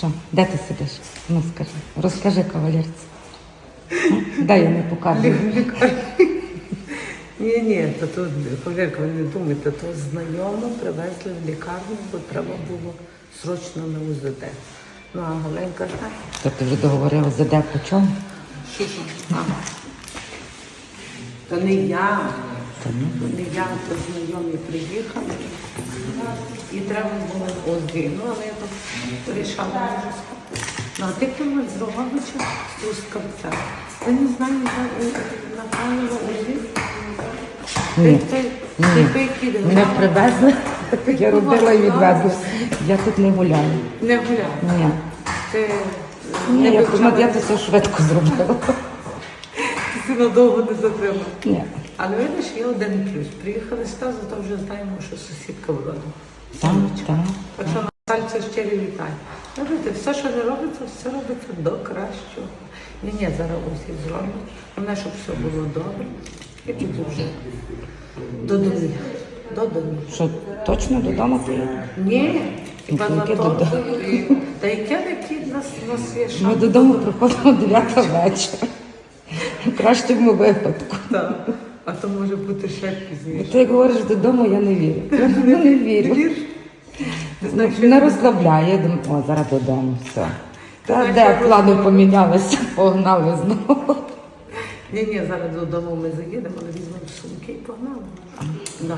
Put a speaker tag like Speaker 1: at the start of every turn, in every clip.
Speaker 1: Що? Де ти сидиш? Ну скажи. Розкажи кавалерці. Дай я не показую.
Speaker 2: Ні, то тут, повірка, ви не думайте, то знайомо привезли в лікарню, бо треба було срочно на УЗД. Ну, а Галенька так.
Speaker 1: То ти вже договорила, за де по чому?
Speaker 2: Що? То не я. То не я, то знайомі приїхали. І треба було ОЗД. Ну, але я так вирішала дуже скоро. Ну, а ти кому з Роговича, з Трускавця. Я не знаю, направила ОЗД.
Speaker 1: Ні.
Speaker 2: Ти
Speaker 1: Мене привезли, я робила і відвезла. Я тут не гуляю.
Speaker 2: Не гуляв.
Speaker 1: Ні.
Speaker 2: Ти
Speaker 1: Ні, я це все швидко зробила.
Speaker 2: Ти надовго не затримав.
Speaker 1: Ні.
Speaker 2: Але видиш, є один плюс. Приїхали сюди, зато вже знаємо, що сусідка в роду.
Speaker 1: Так.
Speaker 2: Так що Натальця щирі вітаю. Знаєте, все, що не робиться, все робиться до кращого. Ні, зараз усі зроблять. Головне, щоб все було добре. І тоді вже додому.
Speaker 1: Що, точно додому поїду?
Speaker 2: Ні, хіба на
Speaker 1: Тільки
Speaker 2: то.
Speaker 1: додому.
Speaker 2: Та яке нас є шанс?
Speaker 1: Ми додому приходимо 9 вечора. В кращому випадку.
Speaker 2: Так. А то може бути ще пізніше.
Speaker 1: Ти як говориш додому, я не вірю. Я не вірю. Не розслабляє, я думаю, о, зараз додому, все. Та де плани помінялися, погнали знову.
Speaker 2: Ні, зараз додому ми заїдемо, але візьмемо сумки і погнали. Далі.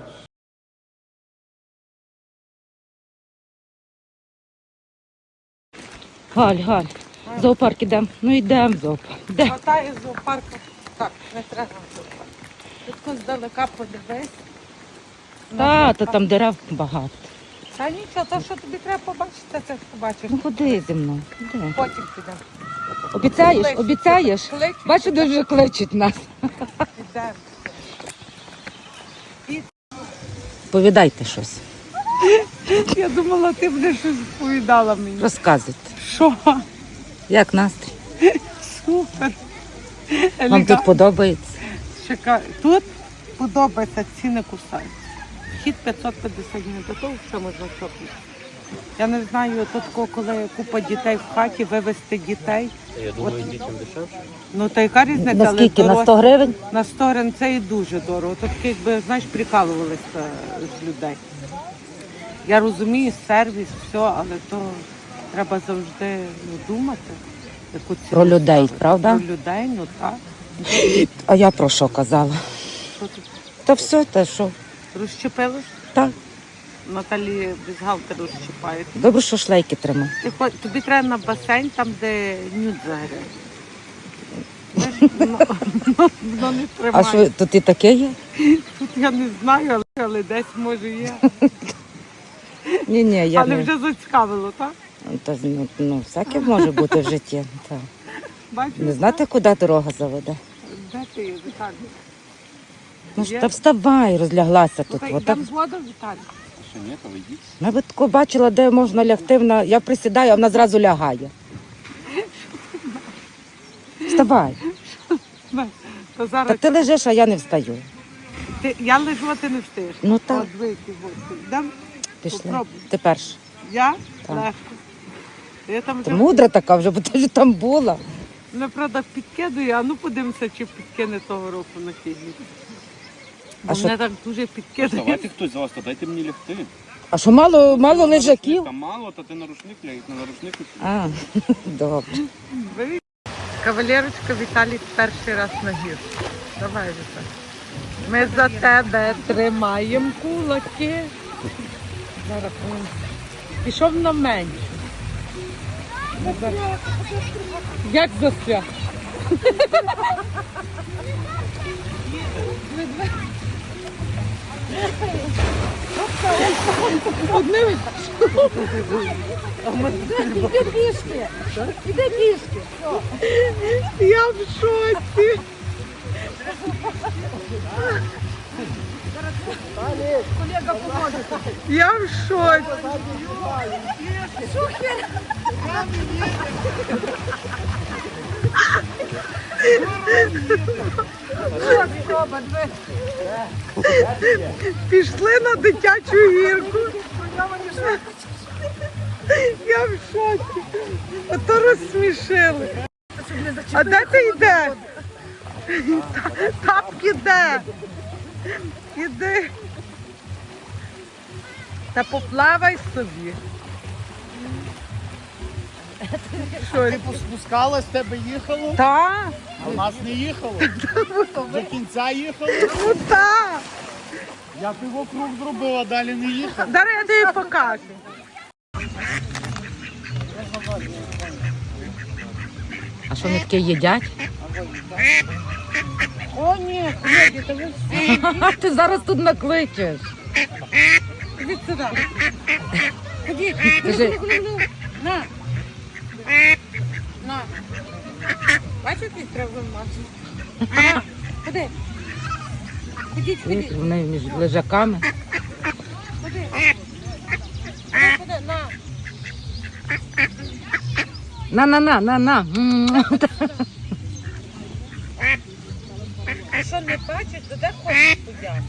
Speaker 1: Галь, в зоопарк ідемо. Ну йдемо в зоопарк. Де?
Speaker 2: Хватає з зоопарку. Так, не треба в зоопарк. Тут здалека подивись.
Speaker 1: Та там дерев багато.
Speaker 2: Та нічого, то, що тобі треба побачити, це побачиш.
Speaker 1: Ну ходи зі мною. Іди.
Speaker 2: Потім підемо.
Speaker 1: Обіцяєш? Обіцяєш?
Speaker 2: Кличуть.
Speaker 1: Бачу, дуже кличуть нас.
Speaker 2: Підемо.
Speaker 1: Повідайте щось.
Speaker 2: Я думала, ти будеш щось розповідала мені.
Speaker 1: Розказуйте.
Speaker 2: Що?
Speaker 1: Як настрій?
Speaker 2: Супер.
Speaker 1: Вам тут подобається?
Speaker 2: Тут подобається, ціни кусаються. Вхід 550 гривень, до того все можна чопити. Я не знаю, тут коли купа дітей в хаті, вивезти дітей.
Speaker 3: Я думаю, дітям дешевше.
Speaker 2: Ну та яка різниця?
Speaker 1: Наскільки?
Speaker 2: Але
Speaker 1: На 100 гривень?
Speaker 2: На 100 гривень це і дуже дорого. Тут, якби, знаєш, прикалувалися з людей. Я розумію, сервіс, все, але то треба завжди думати. Яку ціну
Speaker 1: Про людей,
Speaker 2: ставити.
Speaker 1: правда?
Speaker 2: Про людей, ну так.
Speaker 1: А я про що казала?
Speaker 2: Що тут?
Speaker 1: Та все, те що?
Speaker 2: Розщепилось?
Speaker 1: Так.
Speaker 2: Наталі бюстгальтер розщипає.
Speaker 1: Добре, що шлейки тримав.
Speaker 2: Тобі треба на басейн, там, де нюд заграє. Воно не
Speaker 1: А
Speaker 2: тримає.
Speaker 1: що, тут і таке є?
Speaker 2: Тут я не знаю, але десь може є.
Speaker 1: Ні, я
Speaker 2: Але
Speaker 1: не...
Speaker 2: вже зацікавило, так?
Speaker 1: Та, ну, всяке може бути в житті. Так.
Speaker 2: Бачиш?
Speaker 1: Не знати, куди дорога заведе.
Speaker 2: Де ти є, Віталій?
Speaker 1: Ну ж
Speaker 2: Є?
Speaker 1: та вставай, розляглася тут.
Speaker 2: Слухай,
Speaker 1: Отак.
Speaker 2: йдемо згодом, Віталій.
Speaker 3: Ще ні, то ви йдіть.
Speaker 1: Я би тако бачила, де можна лягти. Я присідаю, а вона зразу лягає. Вставай.
Speaker 2: То зараз
Speaker 1: Та ти лежиш, а я не встаю.
Speaker 2: я лежу, а ти не встаєш.
Speaker 1: Ну так.
Speaker 2: От вийти, от. Йдемо?
Speaker 1: Пішли.
Speaker 2: Попробуй.
Speaker 1: Ти перша.
Speaker 2: Я?
Speaker 1: Так.
Speaker 2: Легко. Я там
Speaker 1: Ти
Speaker 2: вже,
Speaker 1: мудра така вже, бо ти ж там була.
Speaker 2: правда, підкидую, а ну подивимося, чи підкине того року на хідні. Бо
Speaker 1: А що?
Speaker 2: мене так дуже підкидає.
Speaker 3: Давайте хтось з вас, то дайте мені лягти.
Speaker 1: А що мало лежаків?
Speaker 3: Там мало, то ти на рушник ляг, на рушник.
Speaker 1: А, добре.
Speaker 2: Кавалерочка, Віталій перший раз на гір. Давай, Віталій. Ми за тебе тримаємо кулаки. Зараз пішов на менше. Як застряг? Одним.
Speaker 4: Іди пішки. Іди пішки.
Speaker 2: Я в шоці.
Speaker 4: Колега поможе.
Speaker 2: Я в шоці.
Speaker 4: Супер.
Speaker 2: Пішли на дитячу гірку. Я в шоці. Ото розсмішили. А де ти йдеш? Тапки де? Іди. Та поплавай собі. Що?
Speaker 5: Ти спускалась, тебе їхало,
Speaker 2: Та?
Speaker 5: а в нас не їхало. До кінця їхало.
Speaker 2: Ну так.
Speaker 5: Я півокруг зробив, а далі не їхав.
Speaker 2: Зараз я тобі покажу.
Speaker 1: А що вони таке їдять?
Speaker 2: О, ні, Фредді, то ви всі.
Speaker 1: Ти зараз тут накличеш.
Speaker 2: Ідіть сюди. Ходіть.
Speaker 1: Кажи,
Speaker 2: На. На. Бачите, треба мати. На. Ходи. Ходіть, ходіть.
Speaker 1: вони між лежаками.
Speaker 2: Ходи. Ходи, на.
Speaker 1: На.
Speaker 2: А що не бачиш, то де хочеш подяти?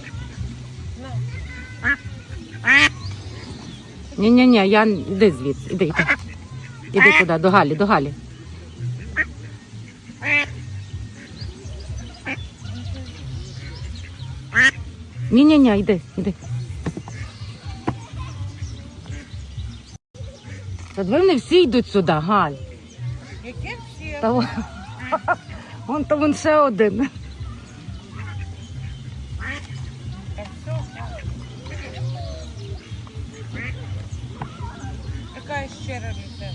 Speaker 1: Ні, я іди звідси, іди. Іди туди, до Галі. Ні, іди. Та вони всі йдуть сюди, Галь.
Speaker 2: Яке всі?
Speaker 1: Та вон ще один.
Speaker 2: Така щира людина.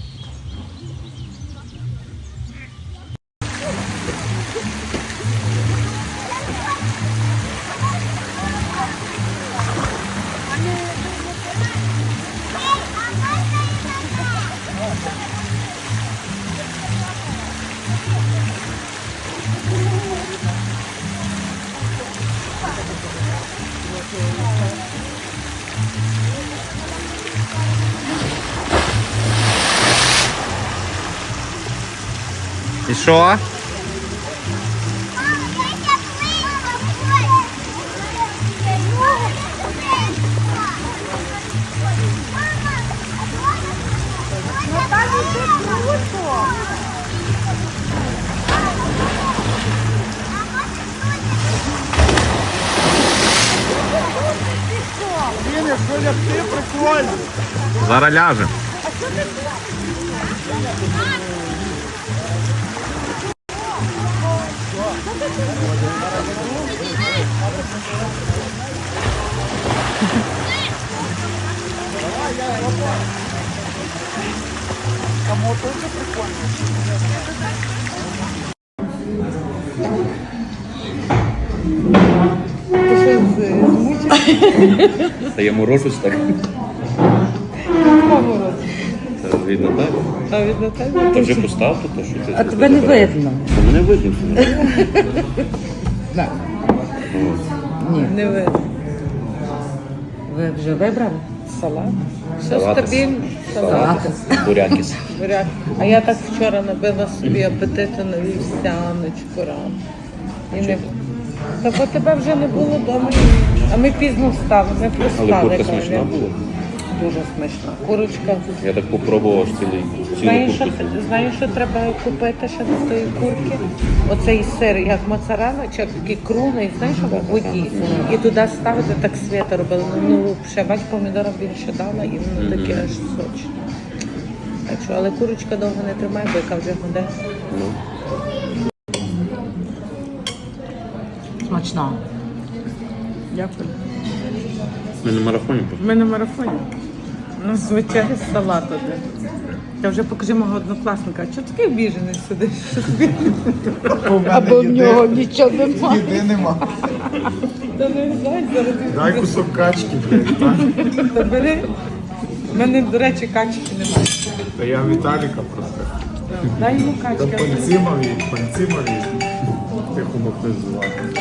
Speaker 3: І що?
Speaker 5: Він, якщо лягти, прикольно.
Speaker 3: Зараз ляжемо.
Speaker 5: Тому теж прикольно.
Speaker 2: Ти що змучив?
Speaker 3: Та я морожусь так.
Speaker 2: Кого роз?
Speaker 3: Це видно так.
Speaker 2: А від Наталі?
Speaker 3: Ти вже поставте, то що ти.
Speaker 1: А тебе не видно.
Speaker 3: Та мене видно.
Speaker 1: Ні.
Speaker 2: Не видно.
Speaker 1: Ви вже вибрали?
Speaker 2: Салат. Все
Speaker 3: Салатис.
Speaker 2: стабільно. Салат.
Speaker 3: Бурякіс.
Speaker 2: Буряк. А я так вчора набила собі апетиту на вівсяночку рано. І не... Так от тебе вже не було вдома. А ми пізно встали, ми
Speaker 3: Але
Speaker 2: проспали.
Speaker 3: курка смачна була.
Speaker 2: Дуже смачна. Курочка.
Speaker 3: Я так попробував аж цілу курку.
Speaker 2: Знаєш, що треба купити ще до тої курки? Оцей сир, як моцарелла, чи такий круглий, знаєш, в воді. І туди ставити, так свята робили. Ну, ще бач, помідора більше дала, і воно таке аж сочне. Так що, але курочка довго не тримає, бо яка вже гуде.
Speaker 3: Ну.
Speaker 1: Смачно.
Speaker 2: Дякую.
Speaker 3: Ми на марафоні просто.
Speaker 2: Ми на марафоні. У нас звичайний салат один. Та вже покажи мого однокласника. Чого такий обіжений сидиш?
Speaker 1: Або в нього нічого немає.
Speaker 5: Їди нема.
Speaker 2: Та не знаю, зараз.
Speaker 5: Дай кусок качки, блядь. так?
Speaker 2: Та бери. У мене, до речі, качки немає.
Speaker 5: Та я Віталіка просто.
Speaker 2: Дай йому
Speaker 5: Та
Speaker 2: качки.
Speaker 5: пальцимові. Тихо могли звати.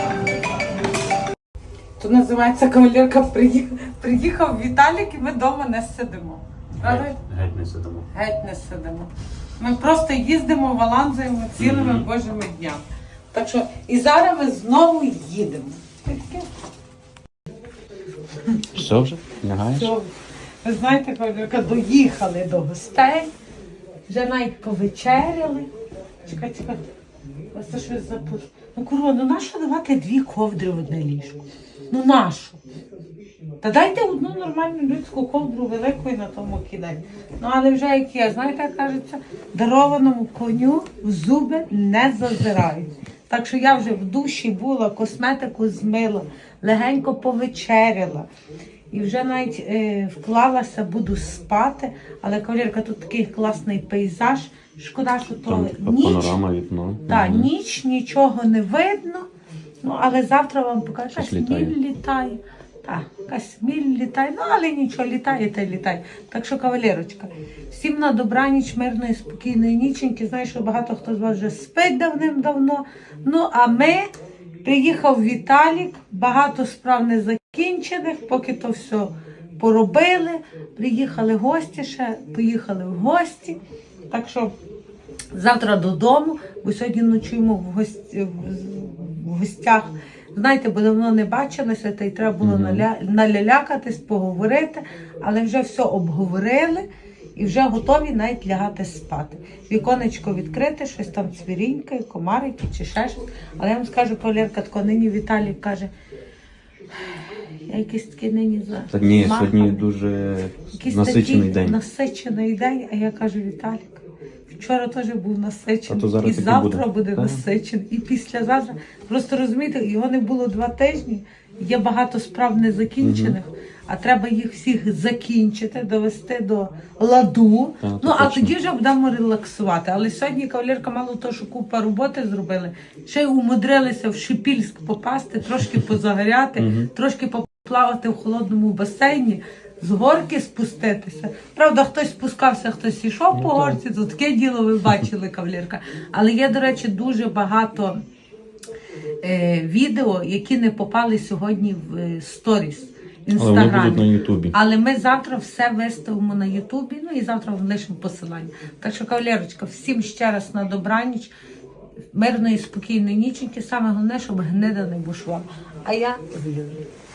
Speaker 2: Тут називається кавалерка приїхав Віталік і ми вдома не сидимо. Правда?
Speaker 3: Геть не сидимо.
Speaker 2: Геть не сидимо. Ми просто їздимо, валанзуємо цілими божими днями. Так що і зараз ми знову їдемо.
Speaker 3: Все вже? Лягаєш?
Speaker 2: Все. Ви знаєте, кавалерка, доїхали до гостей, вже навіть повечеряли. Чекай. Ось це щось запутало. Ну, курва, ну нащо давати 2 ковдри в одне ліжко? Ну нащо? Та дайте одну нормальну людську ковдру велику і на тому кидай. Ну, але вже як є, знаєте, як кажеться, дарованому коню в зуби не зазирають. Так що я вже в душі була, косметику змила, легенько повечеряла. І вже навіть вклалася, буду спати. Але, кавалерка, тут такий класний пейзаж. Шкода, що то
Speaker 3: Там така
Speaker 2: ніч.
Speaker 3: панорама, вікно.
Speaker 2: Так, ніч, нічого не видно. Ну, але завтра вам покажу,
Speaker 3: Щось
Speaker 2: якась
Speaker 3: літає.
Speaker 2: міль літає. Так, якась міль літає, ну але нічого, літає та й літає. Так що, кавалерочка, всім на добраніч, мирної, спокійної ніченьки. Знаю, що багато хто з вас вже спить давним-давно. Ну, а ми, приїхав Віталік, багато справ не закінчених, поки то все поробили. Приїхали гості ще, поїхали в гості. Так що завтра додому, бо сьогодні ночуємо в гостях. Знаєте, бо давно не бачилися, та й треба було налялякатись, поговорити, але вже все обговорили і вже готові навіть лягати спати. Віконечко відкрите, щось там цвірінькає, комарики чи ще щось. Але я вам скажу, кавалерка, тако нині Віталій каже, я якийсь такий нині за...
Speaker 3: Та ні,
Speaker 2: змаханий.
Speaker 3: сьогодні дуже
Speaker 2: Якийсь
Speaker 3: насичений
Speaker 2: такий
Speaker 3: день.
Speaker 2: Насичений день, а я кажу, Віталік, вчора теж був насичений,
Speaker 3: А то зараз
Speaker 2: і
Speaker 3: таки
Speaker 2: завтра
Speaker 3: буде.
Speaker 2: буде
Speaker 3: Так.
Speaker 2: насичений, і післязавтра. Просто розумієте, його не було 2 тижні, є багато справ незакінчених, а треба їх всіх закінчити, довести до ладу.
Speaker 3: Так,
Speaker 2: Ну, а
Speaker 3: точно.
Speaker 2: тоді вже будемо релаксувати. Але сьогодні кавалерка мало того, що купа роботи зробили, ще й умудрилися в Шипільськ попасти, трошки позагоряти, трошки поплавати в холодному басейні, з горки спуститися. Правда, хтось спускався, хтось йшов по горці, то таке діло ви бачили, кавалерка. Але є, до речі, дуже багато відео, які не попали сьогодні в сторіс в
Speaker 3: Але вони
Speaker 2: інстаграмі.
Speaker 3: будуть на Ютубі.
Speaker 2: Але ми завтра все виставимо на Ютубі, ну і завтра вам лишимо посилання. Так що, кавалерочка, всім ще раз на добраніч, мирної, спокійної ніченьки. Саме головне, щоб гнида не бушувала. А я з Юлею.